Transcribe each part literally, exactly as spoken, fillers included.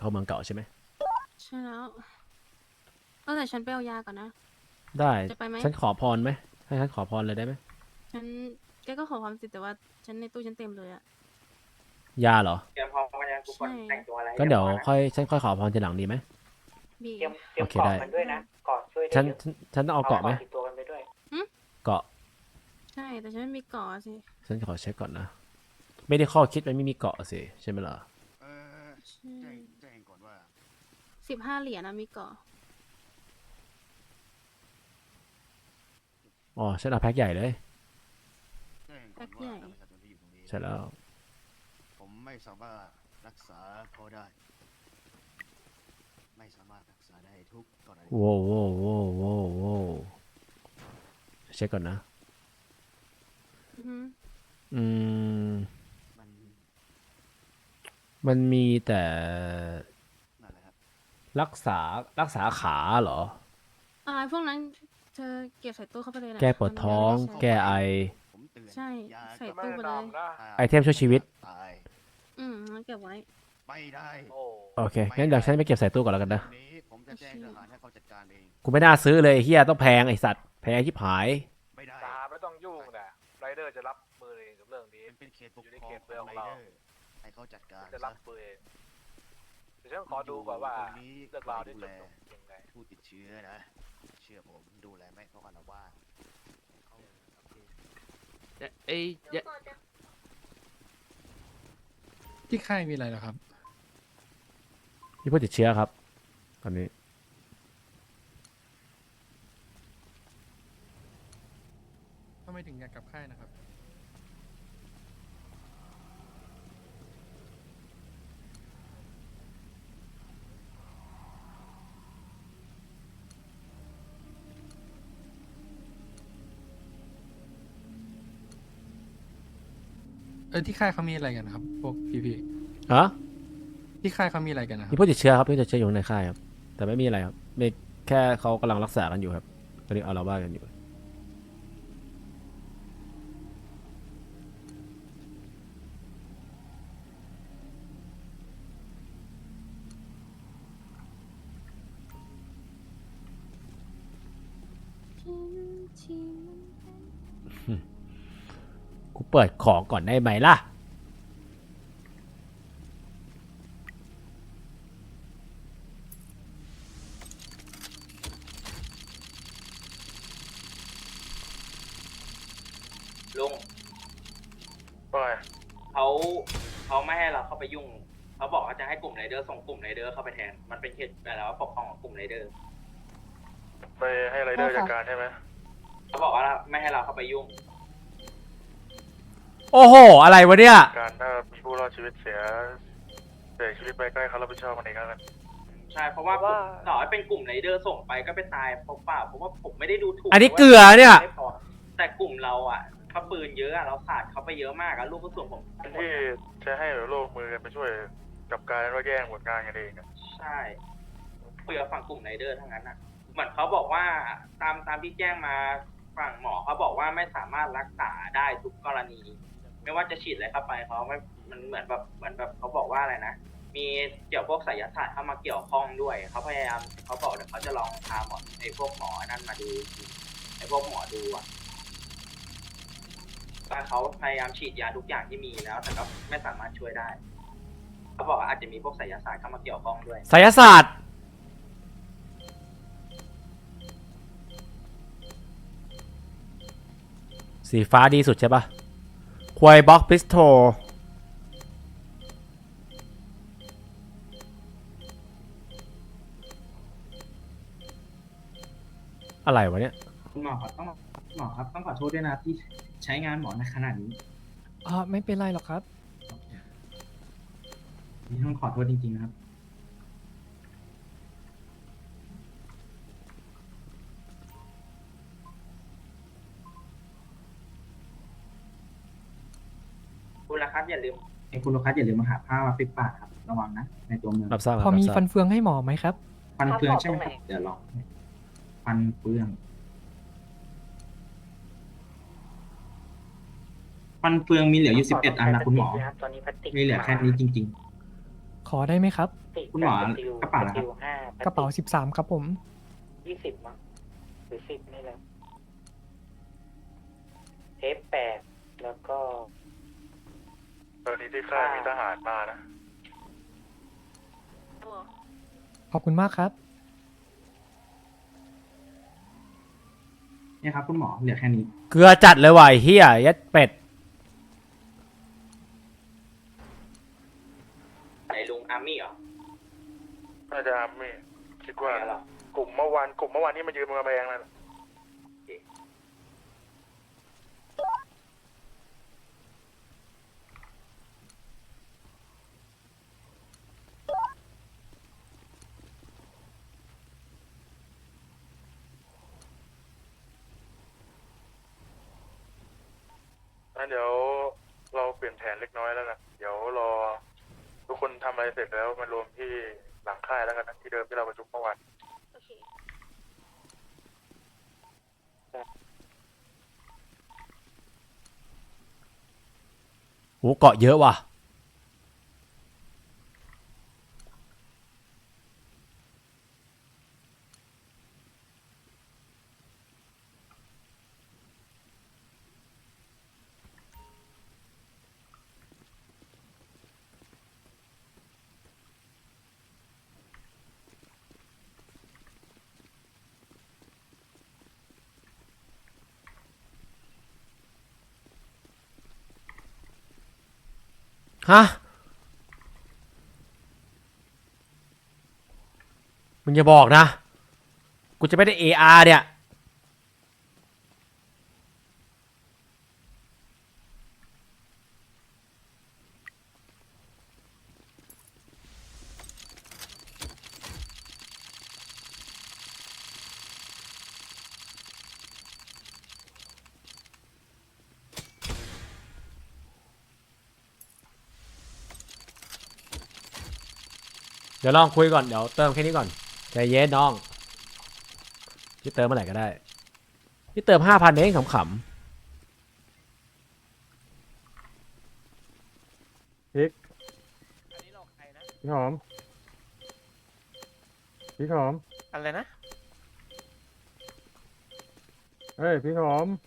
เข้าเมืองเก่าใช่ไหมใช่แล้วเออแต่ฉันไปเอายาก่อนนะได้จะไปไหมฉันขอพรไหมให้ฉันขอพรเลยได้ไหมฉันแกก็ขอความสิทธิ์แต่ว่าฉันในตู้ฉันเต็มเลยอะยาเหรอเตรียมพร้อมกันยังทุกคนใช่แต่งตัวอะไรก็เดี๋ยวรีบร้อนะค่อยฉันค่อยขอพรทีหลังดีไหมบีเตรียมเตรียมโอเคได้เกาะกันด้วยนะเกาะช่วยได้ฉันเยอะฉันฉันต้องเอาเกาะไหมติดตัวกันไปด้วยเกาะใช่แต่ฉันไม่มีเกาะสิฉันขอเช็คก่อนนะไม่ได้ข้อคิดมันไม่มีเกาะสิใช่ไหมล่ะเออใช่แจ้งแจ้งก่อนว่าสิบห้าเหรียญนะมีเกาะอ๋อฉันเอาแพ็คใหญ่เลยแจ้งก่อนว่าทางประชาชนที่อยู่ตรงนี้ใช่แล้วผมไม่สามารถรักษาเขาได้ ไม่สามารถรักษาได้ทุกกรณีโว้วโว้วโว้วโว้วโว้วเช็คก่อนนะอือฮึอืมมันมันมีแต่นั่นแหละครับรักษารักษาขาเหรออ่าพวกนั้นเธอเก็บใส่ตู้เข้าไปเลยนะแก้ปวดท้องมันไม่ได้ใช้แก้ไอผมเตือนใช่ยาใส่ก็ตู้ไปเลยไอเทมช่วยชีวิตตายอืมงั้นเก็บไว้ไม่ได้โอเคงั้นเดี๋ยวฉันไปเก็บใส่ตู้ก่อนแล้วกันนะเรื่องนี้ผมจะแจ้งทหารให้เขาจัดการเองกูไม่น่าซื้อเลยไอ้เฮียต้องแพงไอสัตว์แพงชิบหายไม่ได้ตาไม่ต้องยุ่งนะไรเดอร์จะรับมือเองกับเรื่องนี้มันเป็นเขตปกอยู่ในครองเขตขเมืออง งไรเราเดอร์ให้เขาจัดการจะซะรับมือเองเดี๋ยวฉันขอดูก่อนว่าเรื่องราวที่จบลงยังไงผู้ติดเชื้อนะ เชื่อผมดูแลไม่เขาอารวาสไอ้ยะที่ค่ายมีอะไรเหรอครับมีผู้ติดเชื้อครับ ตอนนี้ทำไมถึงอยากกลับค่ายนะครับ เออที่ค่ายเขามีอะไรกันนะครับ พวกพี่ฮะๆที่ค่ายเขามีอะไรกันนะคมีรับผู้ติดเชื้อครับผู้ติดเชื้ออยู่ในค่ายครับ แต่ไม่มีอะไรครับไม่แค่เขากำลังรักษากันอยู่ครับตอนนี้เอาเราว่ากันอยู่ กูเปิดของก่อนได้ไหมล่ะลุงว่าไงเขาเขาไม่ให้เราเข้าไปยุ่ง เขาบอกว่าจะให้กลุ่มไรเดอร์ส่งกลุ่มไรเดอร์เข้าไปแทน มันเป็นเขตแต่แล้วปกครองของกลุ่มไรเดอร์ไปให้ไรเดอร์จัดการใช่ไหมเขาบอกว่าไม่ให้เราเข้าไปยุ่งโอ้โห อะไรวะเนี่ยการถ้ามีผู้รอดชีวิตเสียเสียชีวิตไปก็ให้เขารับผิดชอบมันเองแล้วกันใช่ เพราะว่าต่อให้เป็นกลุ่มไรเดอร์ส่งไปก็ไปตายเปล่าๆเพราะว่าผมไม่ได้ดูถูกอันนี้เกลือเนี่ยไม่พอแต่กลุ่มเราอ่ะเขาปืนเยอะอะเราสาดเขาไปเยอะมากอะลูกกระสุนผมที่จะให้โลกมือกันไปช่วยกับการว่าแย่งผลงานกันเองอะใช่คุยกับฝั่งกลุ่มไรเดอร์ทั้งนั้นอ่ะ เหมือนเขาบอกว่าตามตามที่แจ้งมาฝั่งหมอเขาบอกว่าไม่สามารถรักษาได้ทุกกรณี ไม่ว่าจะฉีดอะไรเข้าไปเขาไม่มันเหมือนแบบเหมือนแบบเขาบอกว่าอะไรนะ มีเกี่ยวพวกไสยศาสตร์เข้ามาเกี่ยวข้องด้วยเขาพยายามเขาบอกเดี๋ยวเขาจะลองพาหมอไอ้พวกหมอนั่นมาดูไอ้พวกหมอดูอ่ะแต่เขาพยายามฉีดยาทุกอย่างที่มีแล้ว แต่ก็ไม่สามารถช่วยได้เขาบอกว่าอาจจะมีพวกไสยศาสตร์เข้ามาเกี่ยวข้องด้วยไสยศาสตร์ สีฟ้าดีสุดใช่ปะควายบ็อกพิสโตอะไรวะเนี่ยคุณหมอครับต้องหมอครับต้องขอโทษด้วยนะที่ใช้งานหมอในขนาดนี้อ๋อ ไม่เป็นไรหรอกครับนี่ต้องขอโทษจริงๆนะครับคุณละครับอย่าลืมไอ้คุณลูกค้าอย่าลืมมาหาผ้ามาปิดปากครับ ระวังนะ ในตัวเมืองรับทราบคพรัอบ มีรับทราบฟันเฟืองให้หมอไหมครับฟันเฟืองใช่ไหมครับ เดี๋ยวลองให้ฟันเฟือง ฟันเฟืองมีเหลืออยู่สิบเอ็ดอันนะคุณหมอตอนนี้พลาสติกมีเหลือแค่นี้จริงขอได้ไหมครับๆคุณหมอกระเป๋านะครับกระเป๋าสิบสามครับผมยี่สิบมั้งหรือสิบนี่แหละเทปแปดแล้วก็ตอนนี้ที่ค่ายมีทหารมานะตัวขอบคุณมากครับเนี่ยครับคุณหมอเหลือแค่นี้เกลือจัดเลยว่ะไอ้เฮียยัดเป็ดไหนลุงอาร์มี่เหรอน่าจะไม่คิดว่าไหนเหรอกลุ่มเมื่อวานกลุ่มเมื่อวานที่มายืนบนกำแพงนั่นน่ะ งั้นเดี๋ยวเราเปลี่ยนแผนเล็กน้อยแล้วกัน เดี๋ยวรอทุกคนทำอะไรเสร็จแล้วมารวมที่หลังค่ายแล้วกันนะที่เดิมที่เราประชุมเมื่อวานโอเคโหเกาะเยอะว่ะ ฮะ มึงอย่าบอกนะ กูจะไม่ได้ เอ อาร์ เนี่ย เดี๋ยวลองคุยก่อน เดี๋ยวเติมแค่นี้ก่อนใจเย็นน้อง พี่เติมเมื่อไหร่ก็ได้ พี่เติมห้าพันเองขำพี่หอม พี่หอมอะไรนะเฮ้ย พี่หอม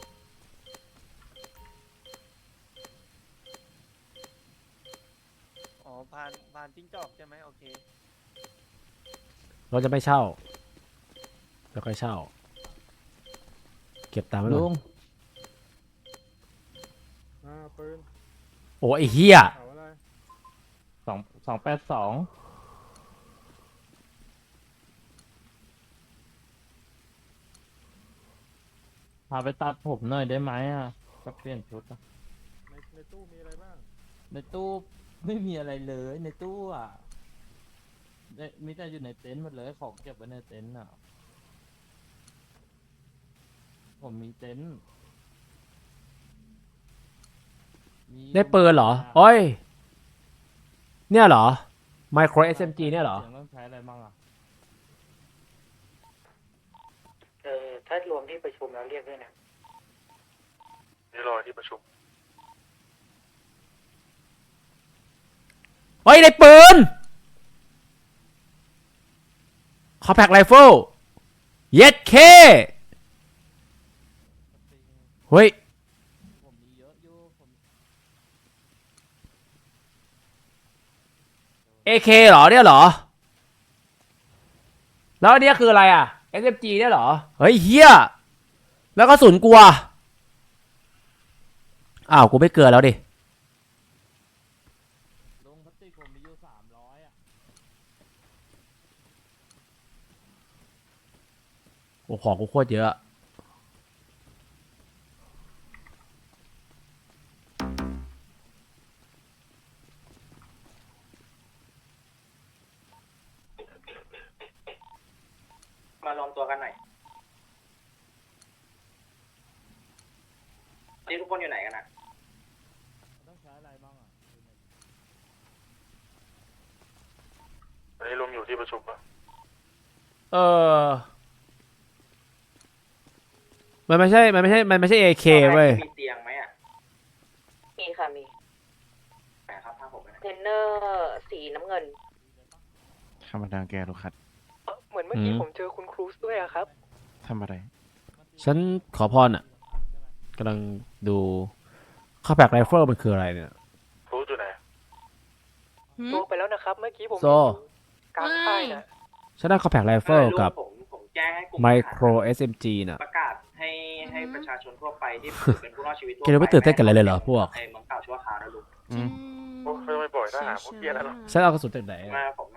อ๋อพานพานจิ้งจอกใช่ไหมโอเคๆเราจะไม่เช่าแล้วค่อยเช่า เก็บตามไว้ก่อนอ่าปืนโอ้ไอ้เหี้ยเอาอะไรสองสองแปดสองพาไปตัดผมหน่อยได้ไหมอ่ะจะเปลี่ยนชุดอะในในตู้มีอะไรบ้างในตู้ไม่มีอะไรเลยในตู้อ่ะได้มีแต่อยู่ในเต็นท์หมดเลยของเก็บไว้ในเต็นท์อ่ะ ผมมีเต็นท์มีได้ปืนเหรอโอ้ย เนี่ยเหรอ Micro เอส เอ็ม จี เนี่ยเหรอสียงต้องใช้อะไรบ้างอ่ะเออถ้ารวมที่ประชุมแล้วเรียกด้วยนะนี่รอที่ประชุมเฮ้ย ได้ปืนคอแพคไรเฟิลเย็ดเคเฮ้ยผมมีเยอะอยู่ผมเอ เค เหรอเนี่ยเหรอ แล้วอันเนี้ยคืออะไรอ่ะ เอส เอ็ม จี เนี่ยเหรอ เฮ้ยเฮียแล้วก็สุนกลัว อ้าว กูไม่เกินแล้วดิลงพลาสติกผมมีอยู่สามร้อยอ่ะโอ้ของกูโคตรเยอะมารวมตัวกันหน่อยนี่ทุกคนอยู่ไหนกันอ่ะต้องใช้อะไรบ้างอ่ะอันนี้รวมอยู่ที่ประชุมปะเออ มันไม่ใช่ มันไม่ใช่ มันไม่ใช่ เอ เค เว้ยมีเตียงไหมอ่ะมีค่ะมีไหนครับผ้าผมไปไหนเทรนเนอร์สีน้ำเงินธรรมดาแกลูกคัดเหมือนเมื่อกี้อืมผมเจอคุณครูซด้วยอะครับทำอะไรฉันขอพรอ่ะกำลังดูข้าแบกไรเฟิลมันคืออะไรเนี่ยรู้จุดไหนหืมตัวไปแล้วนะครับ เมื่อกี้ผมโซเห็นอยู่กลางค่ายนะฉันได้ข้าแบกไรเฟิลกับผมผมแจ้งให้กลุ่มไมโคร เอส เอ็ม จี น่ะประกาศให้ให้ประชาชนทั่วไปที่เป็นผู้รอดชีวิตทั่วแกเลยไม่ตื่นเต้นกันเลยเลยเหรอพวกในเมืองเก่าชั่วคราวนะลุงอืม พวกเขาจะไม่ปล่อยทหารพวกเหี้ยนั่นหรอกฉันเอากระสุนจากไหนอะมาผม